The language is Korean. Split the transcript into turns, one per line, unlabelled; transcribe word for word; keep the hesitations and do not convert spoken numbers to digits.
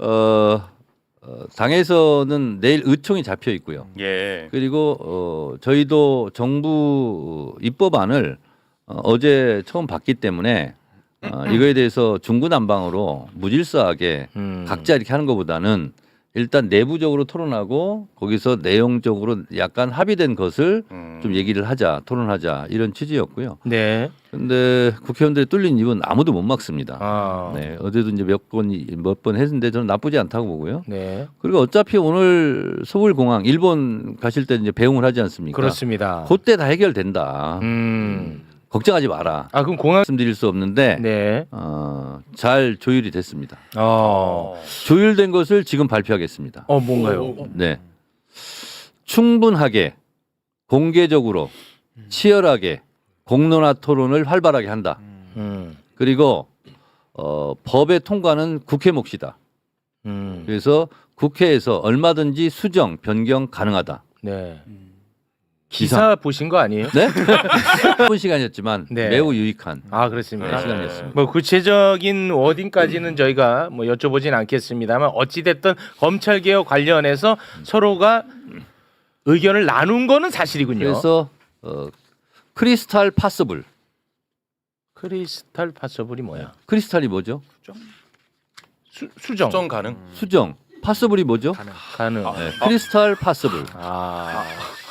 어, 어, 당에서는 내일 의총이 잡혀 있고요.
예.
그리고 어, 저희도 정부 입법안을 어, 어제 처음 봤기 때문에 어, 이거에 대해서 중구난방으로 무질서하게
음.
각자 이렇게 하는 것보다는 일단 내부적으로 토론하고 거기서 내용적으로 약간 합의된 것을
음.
좀 얘기를 하자, 토론하자 이런 취지였고요.
네.
근데 국회의원들이 뚫린 입은 아무도 못 막습니다.
아.
네, 어제도 이제 몇 번 몇 번 했는데 저는 나쁘지 않다고 보고요.
네.
그리고 어차피 오늘 서울공항 일본 가실 때 이제 배웅을 하지 않습니까?
그렇습니다.
그때 다 해결된다.
음.
걱정하지 마라.
아 그럼 공항
말씀드릴 수 없는데
네.
어, 잘 조율이 됐습니다.
어.
조율된 것을 지금 발표하겠습니다.
어 뭔가요?
네, 충분하게 공개적으로 치열하게 공론화 토론을 활발하게 한다.
음.
그리고 어, 법의 통과는 국회 몫이다.
음.
그래서 국회에서 얼마든지 수정, 변경 가능하다.
네. 기사 보신 거 아니에요?
네? 짧은 시간이었지만
네.
매우 유익한
아
네,
그렇습니까?
시간이었습니다.
뭐 구체적인 워딩까지는 저희가 뭐 여쭤보진 않겠습니다만 어찌 됐든 검찰 개혁 관련해서 서로가 의견을 나눈 거는 사실이군요.
그래서 어, 크리스탈 파서블.
크리스탈 파서블이 뭐야?
크리스탈이 뭐죠?
수, 수정.
수정 가능?
수정. 파서블이 뭐죠?
가능.
네, 크리스탈 파서블.
아.